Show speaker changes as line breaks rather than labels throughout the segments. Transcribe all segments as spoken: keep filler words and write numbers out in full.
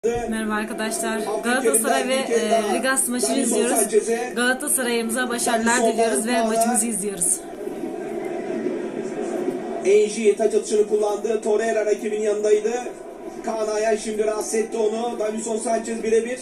Merhaba arkadaşlar. Galatasaray ve e, Rigas maçını izliyoruz. Galatasaray'ımıza başarılar diliyoruz ve maçımızı izliyoruz.
Enji taç atışını kullandı. Torreira rakibin yanındaydı. Kaan Ayhan şimdi rahatsız etti onu. Davinson Sanchez birebir.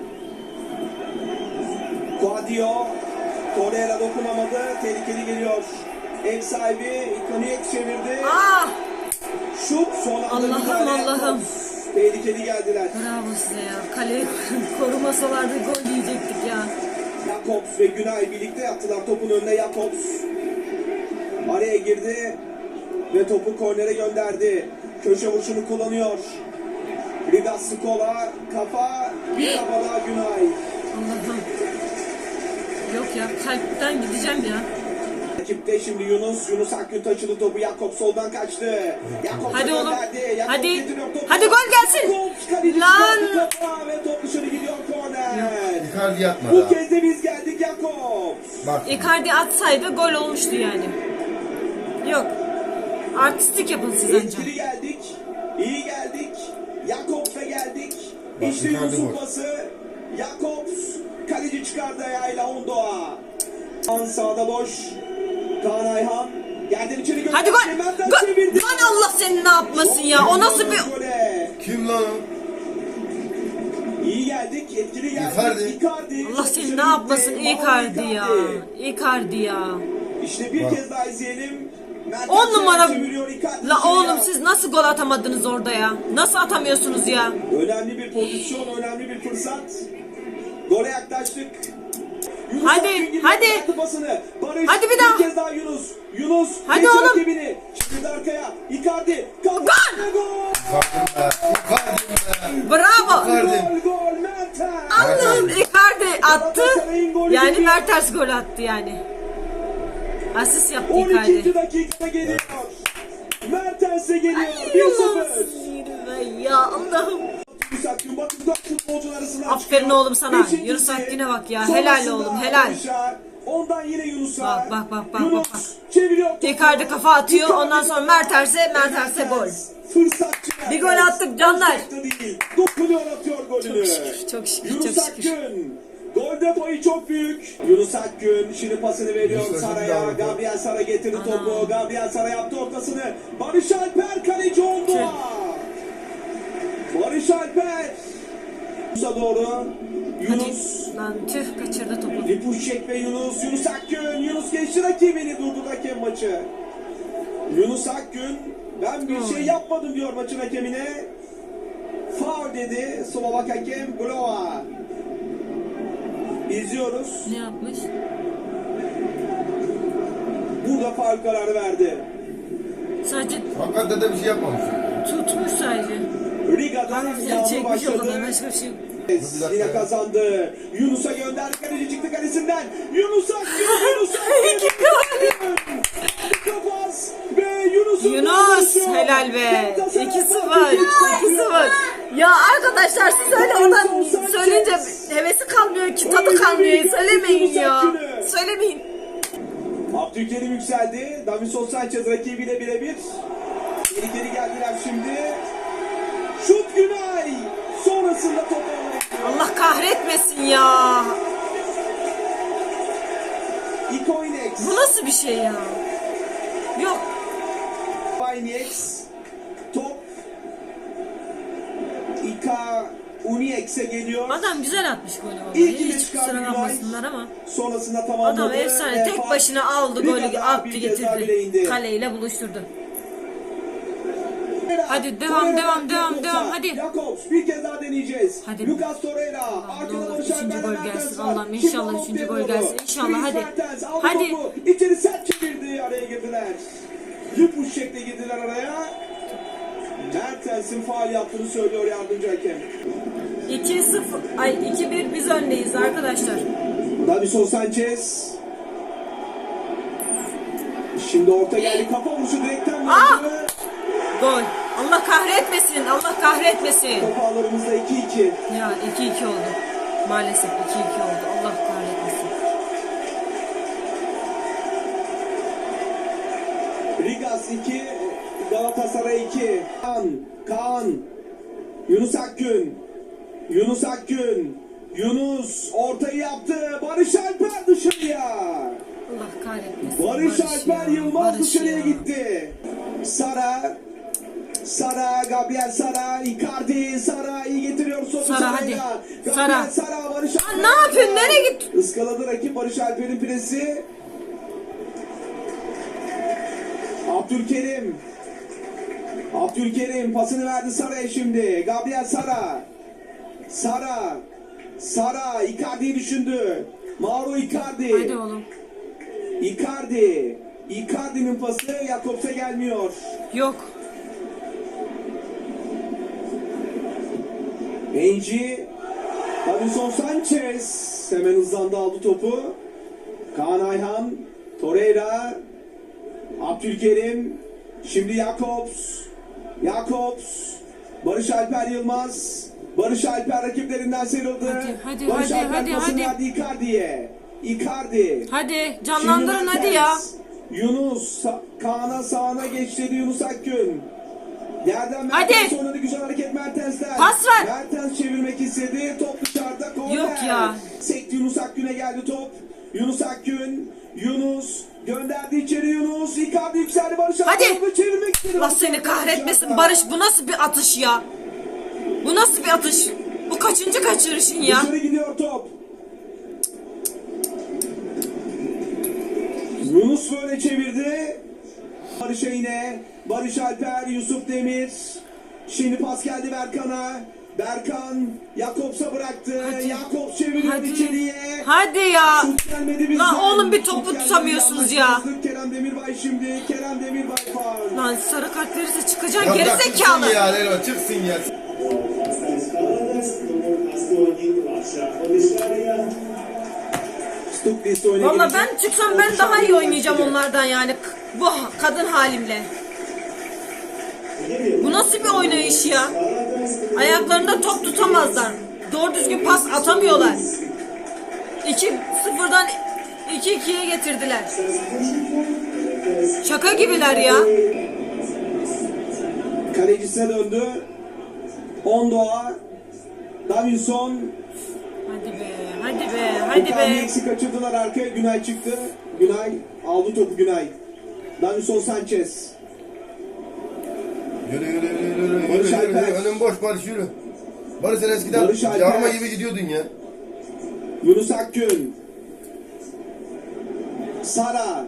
Guadio. Torreira dokunamadı. Tehlikeli geliyor. Ev sahibi İkoniyek çevirdi.
Ah!
Şut son anda.
Allah'ım Allah'ım.
Tehlikeli geldiler.
Bravo size ya. Kaleyi korumasalardı gol yiyecektik ya.
Jakobs ve Günay birlikte attılar topun önüne. Jakobs araya girdi ve topu kornere gönderdi. Köşe vuruşunu kullanıyor. Rigas Skola kafa bir kafa daha Günay.
Allah'ım. Yok ya, kalpten gideceğim ya.
Rakipte şimdi Yunus. Yunus Akgün taşıdı topu. Jakobs soldan kaçtı. Jakobs
Hadi oğlum.
Jakobs
Hadi. Hadi gol gelsin. Lan.
Ve top dışarı gidiyor korner.
Icardi atmadı.
Bu kez de biz geldik Jakobs.
Bak.
Icardi atsaydı gol olmuştu yani. Yok. Artistik yapın siz anca.
Etkili geldik. İyi geldik. Jakobs'a geldik.
Bak,
İşte
Icardi
Yunus'un
gol.
pası. Jakobs kaleci çıkardı ayağıyla Ondoa. Kaan sağda boş. Kaan Ayhan. Yerden içeri gönderdi.
Hadi gol.
Menden
Gol.
çevirdi.
Lan Allah seni ne yapmasın ya. O nasıl bir...
Gole.
Kim lan o?
İyi geldik. Etkili geldik.
Icardi.
Icardi.
Allah seni ne yapmasın Icardi ya. Icardi ya.
İşte bir
Bak.
kez daha izleyelim. Mertens
On numara.
çeviriyor, Icardi
La
dışarıya.
oğlum siz nasıl gol atamadınız orada ya? Nasıl atamıyorsunuz ya?
Önemli bir pozisyon, önemli bir fırsat. Gole yaklaştık. Yunus
Hadi,
Akgün gidiyor,
hadi.
bıraktı pasını. Barış,
Hadi bir daha.
kez daha Yunus. Yunus.
Hadi
geçti
oğlum.
rakibini. Şimdi arkaya. Icardi. Kafa. Gol.
Icardi be.
Bravo.
Icardi.
Gol, gol. Mertens.
Allah'ım Icardi attı. Yani Mertens gol attı yani. Asist yaptı
on ikinci
Icardi.
dakikada geliyor. Mertens'e geliyor.
Ay,
bir
Allah
sıfır.
sinirime ya Allah'ım.
Yunus Akgün bakın dört futbolcular arasından
Aferin
çıkıyor.
oğlum sana.
Beşincisi.
Yunus Akgün'e bak ya.
Sonrasında
Helal oğlum, helal.
Barış'a, ondan yine Yunus'a.
Bak, bak, bak, bak,
Yunus
bak, bak.
çeviriyor topu.
Icardi kafa atıyor.
Icardi
Ondan sonra
gol.
Mertens'e, Mertens'e gol.
Fırsatçı
Bir gol
Mertens.
attık canlar.
Uzakta değil. Dokunuyor atıyor golünü.
Çok şükür, çok şükür,
Yunus
çok şükür.
Akgün. Golde payı çok büyük. Yunus Akgün şimdi pasını veriyor
Yunus Akgün
Saray'a.
de aldı.
Gabriel Sara getirdi
Ana.
topu. Gabriel Sara yaptı ortasını. Barış Alper kaleci oldu. Barış Alper. Yunus'a doğru. Yunus.
Hadi. Lan tüh kaçırdı topu.
Lipuşek ve Yunus. Yunus Akgün. Yunus geçti rakibini. Durdu hakem maçı. Yunus Akgün. Ben bir
Oy.
şey yapmadım diyor maçın hakemine. Faul dedi Slovak hakem Bloa. İzliyoruz.
Ne yapmış?
Burada faul kararı verdi.
Sadece
Hakikaten de bir şey yapmamış.
tutmuş sadece.
Riga'dan
Harbiden
yağmur
çekmiş o kadar.
başladı.
Başka bir şey yok.
Yine kazandı. Yunus'a gönderdi. Kaleci çıktı kalesinden. Yunus Akgün. Yunus Akgün. Kapas ve Yunus'un
Yunus
vuruşu.
helal be.
Galatasaray
iki sıfır.
farkı
iki sıfır. Ya arkadaşlar siz öyle oradan söyleyince hevesi kalmıyor ki, tadı kalmıyor. Söylemeyin ya. Söylemeyin.
Abdülkerim yükseldi. Davinson Sanchez rakibiyle birebir. Geri geri geldiler şimdi. Şut Günay. Sonrasında topu alıyor.
Allah kahretmesin ya.
Ikoinex.
Bu nasıl bir şey ya? Yok.
Ikoinex. Top. Ika Uniex'e geliyor.
Adam güzel atmış golü
İlk
vallahi.
ile
Hiç
çıkardı
kusura
Günay.
bakmasınlar ama.
Sonrasında tamamladı.
Adam efsane
Ve
tek
fark
başına aldı golü,
Riga'da
attı
bir kez daha bile
getirdi.
indi.
Kaleyle buluşturdu.
Torreira.
Hadi devam,
Torreira
devam, devam,
Jakobs'a.
devam, hadi.
Jakobs bir kez daha deneyeceğiz.
Hadi.
Lucas Torreira.
Ne
Arkada
olur
Barış
üçüncü
Alper'le
gol
Mertens
gelsin.
var.
Allah'ım
Şimdi
inşallah
Alonso'ya
üçüncü gol
doğru.
gelsin. İnşallah
Dries
hadi.
Mertens aldı
Hadi.
topu. İçeri sert çevirdi. Araya girdiler. Yıpuş şekle girdiler araya. Mertens'in faal yaptığını söylüyor yardımcı hakem.
iki sıfır ay iki bir biz öndeyiz arkadaşlar.
Davinson Sanchez. Şimdi orta geldi. Kafa vuruşu direkten
Aa!
vurdu.
Gol. Allah kahretmesin. Allah kahretmesin.
Kafalarımızda iki iki.
Ya iki iki oldu. Maalesef iki iki oldu. Allah kahretmesin.
Rigas iki, Galatasaray iki. Kaan, Kaan, Yunus Akgün, Yunus Akgün. Yunus ortayı yaptı. Barış Alper dışarıya.
Allah kahretmesin.
Barış Alper
ya,
Yılmaz
Barış
dışarıya
ya.
gitti. Sara. Sara, Gabriel Sara, Icardi, Sara iyi getiriyor sosu
Sara,
Sara'ya.
hadi.
Gabriel
Sara.
Sara, Barış
Lan
Alper.
ne yapıyorsun? Nereye git?
Iskaladı rakip Barış Alper'in presi. Abdülkerim. Abdülkerim pasını verdi Sara'ya şimdi. Gabriel Sara. Sara. Sara Icardi'yi düşündü. Mauro Icardi.
Hadi oğlum.
Icardi. Icardi'nin pası Jakobs'a gelmiyor.
Yok.
Enci. Davinson Sanchez. Hemen hızlandı, aldı topu. Kaan Ayhan. Torreira. Abdülkerim. Şimdi Jakobs. Jakobs. Barış Alper Yılmaz. Barış Alper rakiplerinden sıyrıldı.
Hadi, hadi,
Barış
hadi,
Alper
hadi,
pasını
hadi.
verdi Icardi'ye. Icardi.
Hadi canlandırın
Şimdi
hadi ya.
Mertens. Yunus Sa- Kaan'a sağına geçti Yunus Akgün. Yerden
Hadi.
Mertens oynadı, güzel hareket Mertens'ten.
Pas ver.
Mertens çevirmek istedi. Top dışarıda, korner.
Yok ya.
Sekti, Yunus Akgün'e geldi top. Yunus Akgün. Yunus gönderdi içeri Yunus. Icardi yükseldi, Barış
Hadi.
Alper'i çevirmek istedi.
Allah
Barış
seni
Alper
kahretmesin
dışarıda.
Barış, bu nasıl bir atış ya? Bu nasıl bir atış? Bu kaçıncı kaçırışın ya?
Dışarı gidiyor top. Yunus böyle çevirdi. Barış'a yine. Barış Alper, Yusuf Demir. Şimdi pas geldi Berkan'a. Berkan Jakobs'a bıraktı.
Hadi.
Jakobs çeviriyor
Hadi.
içeriye.
Hadi ya.
Şut gelmedi bizden.
Lan oğlum bir topu
Şut gelmedi,
tutamıyorsunuz ya.
yanlış Kerem Demirbay şimdi. Kerem Demirbay faul.
Lan sarı kart verirse çıkacaksın
Ya
geri
bırak çıksın
zekalı.
ya Lelo, çıksın ya.
Stuttgart oyuna
Valla
girecek.
ben çıksam ben daha iyi oynayacağım onlardan yani. Bu kadın halimle. Bu nasıl bir oynayış ya? Ayaklarında top tutamazlar. Doğru düzgün pas atamıyorlar. iki sıfırdan iki ikiye getirdiler. Şaka gibiler ya.
Kalecisine döndü. Ondoğa. Davinson.
Hadi be, hadi be,
Bir
hadi
tane
be.
eksik kaçırdılar arkaya. Günay çıktı. Günay aldı topu Günay. Davinson Sanchez.
Yürü yürü yürü yürü yürü
Barış
yürü yürü.
Alper.
Önüm boş Barış yürü. Barış sen eskiden
Barış Alper.
yağma gibi gidiyordun ya.
Yunus Akgün. Sara.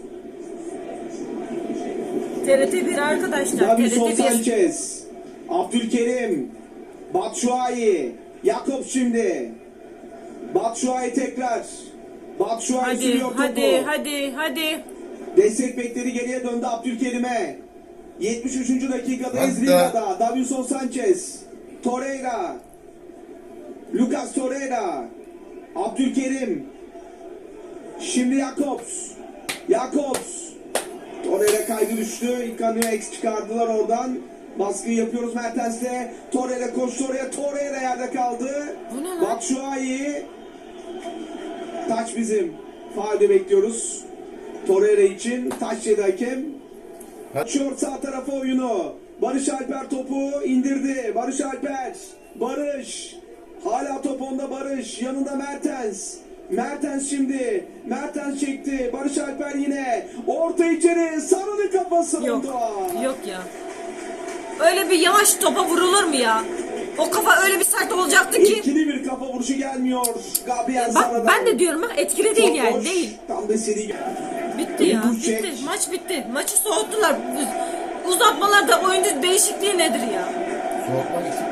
T R T bir arkadaşlar, T R
Davinson
T bir.
Sanchez. Abdülkerim. Batshuayi. Jakobs şimdi. Batshuayi tekrar. Batshuayi
Hadi,
sürüyor topu.
hadi, hadi, hadi.
Destek bekleri geriye döndü Abdülkerim'e. yetmiş üçüncü dakikadayız
Hatta-
Liga'da. Davinson Sanchez. Torreira. Lucas Torreira. Abdülkerim. Şimdi Jakobs. Jakobs. Torreira kaydı düştü. İlkanlı'ya eks çıkardılar oradan. Baskı yapıyoruz Mertens'le. Torreira koştu oraya. Torreira yerde kaldı.
Bu ne lan?
Batshuayi. Taç bizim. Faalde bekliyoruz. Torreira için. Taç yedi hakem. Açıyor sağ tarafa oyunu. Barış Alper topu indirdi. Barış Alper. Barış. Hala top onda Barış. Yanında Mertens. Mertens şimdi. Mertens çekti. Barış Alper yine. Orta içeri. Sarı'nın kafası.
Yok,
Ondoğa.
yok ya. Öyle bir yavaş topa vurulur mu ya? O kafa öyle bir sert olacaktı ki.
Etkili bir kafa vuruşu gelmiyor. Gabriel
Bak
Sara'dan.
ben de diyorum bak etkili değil
Çok
yani
hoş.
değil.
Tam da seri.
Bitti ya,
Bir
bitti.
çek.
Maç bitti. Maçı soğuttular. Uzatmalarda oyuncu değişikliği nedir ya?
Soğutmak için.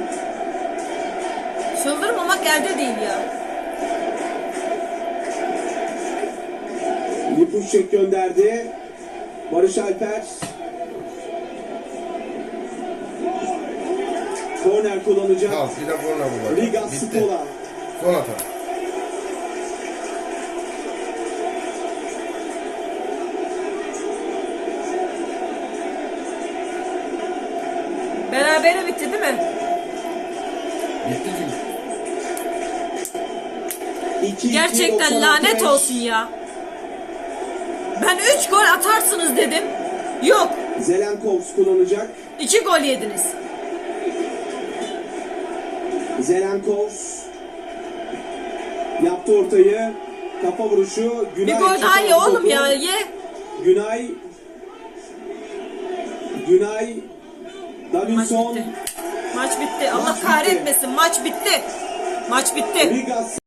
Çıldırmamak elde değil ya.
Lipuşek gönderdi. Barış Alper. Korner kullanacak.
Al bir de korna bu var.
Liga
Bitti.
Spola.
Son atar.
Berabere bitti değil mi?
Bitti çünkü.
iki iki
Gerçekten
doksan altı
lanet
beş.
olsun ya. Ben üç gol atarsınız dedim. Yok.
Zelenkovs kullanacak.
iki gol yediniz.
Zelenkov yaptı ortayı. Kafa vuruşu.
Bir
Günay
gol daha ye
çıkardı
oğlum
topu.
ya, ye.
Günay Günay
Maç
Davinson
bitti. Maç bitti. Allah
Maç bitti.
kahretmesin. Maç bitti. Maç bitti.
Rigas